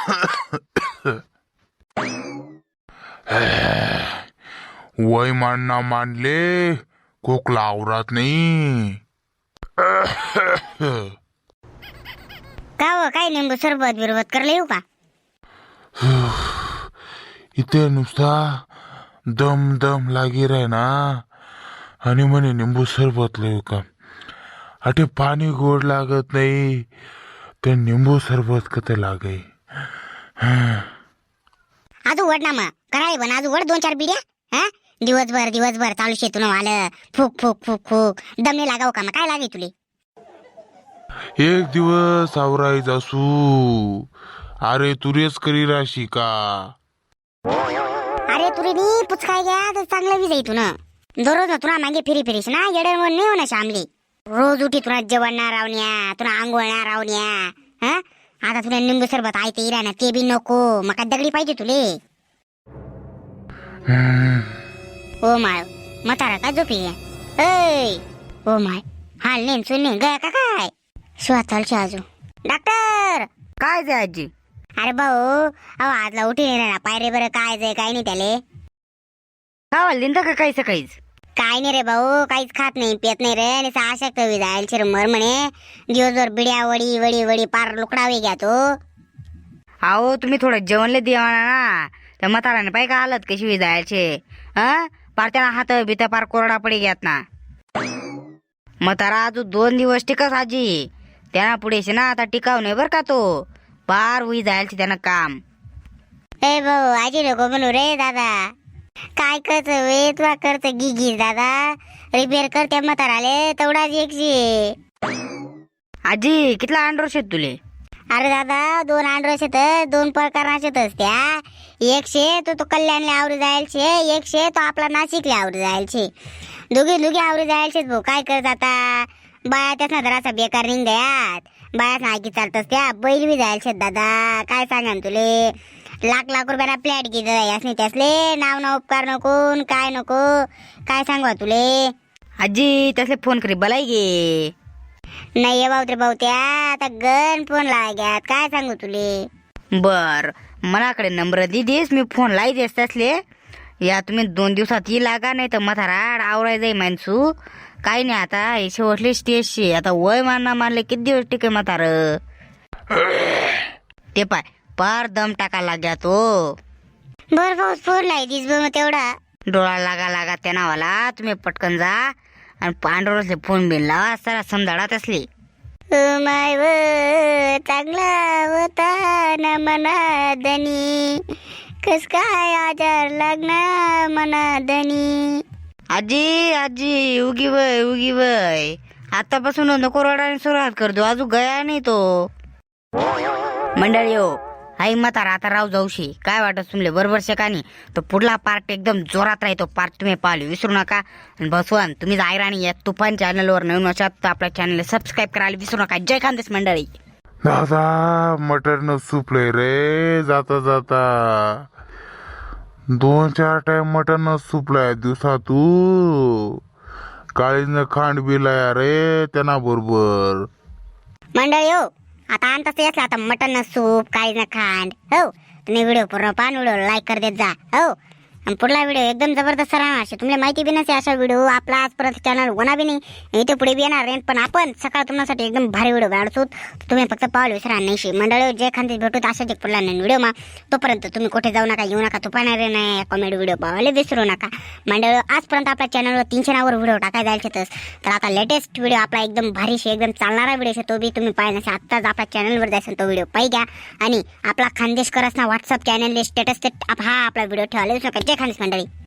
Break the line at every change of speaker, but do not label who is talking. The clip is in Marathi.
वय मानना मानले खोकला आवरात नाही.
का हो, काय लिंबू सरबत बिरबत करले येऊ का?
इथे नुसता दम दम लागी राय ना आणि म्हणे निंबू सरबत लिहू का. अटे पाणी गोड लागत नाही ते निंबू सरबत कते लागे.
आजू वड ना मग कराय बन आजू वड 2-4 बिड्या. हा दिवसभर चालू शेतून आलं फूक फूक फूक फूक दमने लागाव का? मग काय लागे तुले?
एक दिवस आवराय जासू. अरे तुरेच करी राशी का?
अरे तुरी नी पुचकाय घ्या तर चांगलं बी जाई तू ना. दररोज ना तुला मागे फिरीस ना येडे म्हणून नाही होणार शामली. रोज उठी तुला जेवण ना रावण्या तुला आंघोळ ना रावण्या. हा आता तुला निंबू सरबत आहे ते ना ते बी नको. मग काय दगडी पाहिजे तुले? ओ माय म्हातारा का झोपी घ्या. ओ माय हाल नेम सुन गया का काय? श्वासालची आजू डॉक्टर
काय जे आजी?
अरे भाऊ अहो आजला उठी नाही ना पायरे बरं काय जाय काय नाही त्याले.
का लिंदा का काही सकाळीच?
काय नाही रे भाऊ काहीच खात नाही पेत नाही रे. आणि आशक्त जाईल चिरमर म्हणे दिवसभर बिड्या वडी वडी वडी पार लुकडावे घ्या तो.
अहो तुम्ही थोडं जेवणले देवाना ना. त्या म्हाताराने पाय का हालत कशी जायचे. पार त्याला हात बित पार कोरडा पडी घ्यात ना. म्हातारा अजून 2 दिवस टिकस आजी. त्यांना पुढेच ना आता टिकाव नाही बर का तो. पार होई जायचे त्यानं काम.
ए भाऊ आजी नको म्हणू रे दादा. काय करत वे तुला करत गिगीस दादा. रिपेअर करते म्हाताराले तेवढाच एकशे.
आजी कितला अंडर शेत तुले?
अरे दादा 2 अंडर शेत 2 प्रकारचे त्या. एकशे तो कल्याणले आवरी जायचे. एकशे तो आपला नाशिकले आवरी जायचे. दोघी आवरी जायचे भाऊ. काय करत आता बाया त्याच ना जरासा बेकार निघ द्यात. बाया नाकी चालतस त्या बैल बी जायचे दादा. काय सांगा तुले लाख रुपयाला फ्लॅट घे यासने त्यासले नाव ना उपकार नको काय नको. काय सांगवा तुले?
आजी त्यासले फोन करी बलाई गे.
नाही भाऊ रे भाऊ त्या आता गन फोन लाग्यात. काय सांगू तुले?
बर मनाकडे नंबर दिदीस मी फोन लाई देस त्यासले. या तुम्ही 2 दिवसात ये लागा नाही तर म्हातारा आवराय जाई माणसू. काही नाही आता हे शेवटले स्टेजशी आता वय मानले किती दिवस टिके म्हातार. ते पाय पार दम टाका लाग्या तो.
बर भाऊ फोन लाई दिस मग तेवढा
डोळा लागा त्या नावाला. तुम्ही पटकन जा आणि पांडुरसले फोन बिन लावा सारा समजाडात असली.
माय व चांगला होता ना मनादनी कस काय आजार लागना मनादनी.
आजी उगी वय आतापासून नको रडायला सुरुवात करतो. अजून गया नाही तो. मंडळी हो आई म्हातारा आता राव जाऊशी. काय वाटत तुमले बरोबर शकानी तो पुढला पार्ट एकदम जोरात राहतो. पार्ट तुम्ही पाहिले विसरू नका. आणि बसवान तुम्ही जायराणी या तुफान चॅनलवर नवीन असाल तर आपल्या चॅनलला सबस्क्राईब करायला विसरू नका. जय खानदेश मंडळी.
दादा मटरनं सुपले रे जाता जाता. 2-4 टाइम मटरनं सुपलाय दिवसातू. काळीनं खांड बिलाया रे त्यांना बरोबर.
मंडळी हो आता आणताच असला आता मटन सूप काही ना खांड. हो तुम्ही व्हिडिओ पूर्ण पान व्हिडिओ लाईक कर देत जा. हो आणि पुढला व्हिडिओ एकदम जबरदस्त राहणार. असे तुम्हाला माहिती बी नसे अशा व्हिडिओ आपला आजपर्यंत चॅनल होणार बी नाही. इथे पुढे बी येणार नाही. पण आपण सकाळ तुम्हाला एकदम भारी व्हिडिओ काढतो. तुम्ही फक्त पावलं विसरा नाही. मंडळी जे खांदे भेटू अशाच एक पुढला नवीन व्हिडिओ मा. तोपर्यंत तुम्ही कुठे जाऊ नका येऊ नका. तुपाणारे नाही कॉमेडी व्हिडिओ पाहायला विसरू नका. मंडळी आजपर्यंत आपल्या चॅनलवर 300 नावर व्हिडिओ टाकायला जायचे तर आता लेटेस्ट व्हिडिओ आपला एकदम भारीशी एकदम चालणारा व्हिडिओ तो बी तुम्ही पाहिजे आत्ताच आपल्या चॅनलवर जायचं तो व्हिडिओ पाहि घ्या. आणि आपला खानदेश करस ना व्हॉट्सअप चॅनल स्टेटस हा आपला व्हिडिओ ठेवायला विसरू नका. जय खानदेश मंडळी.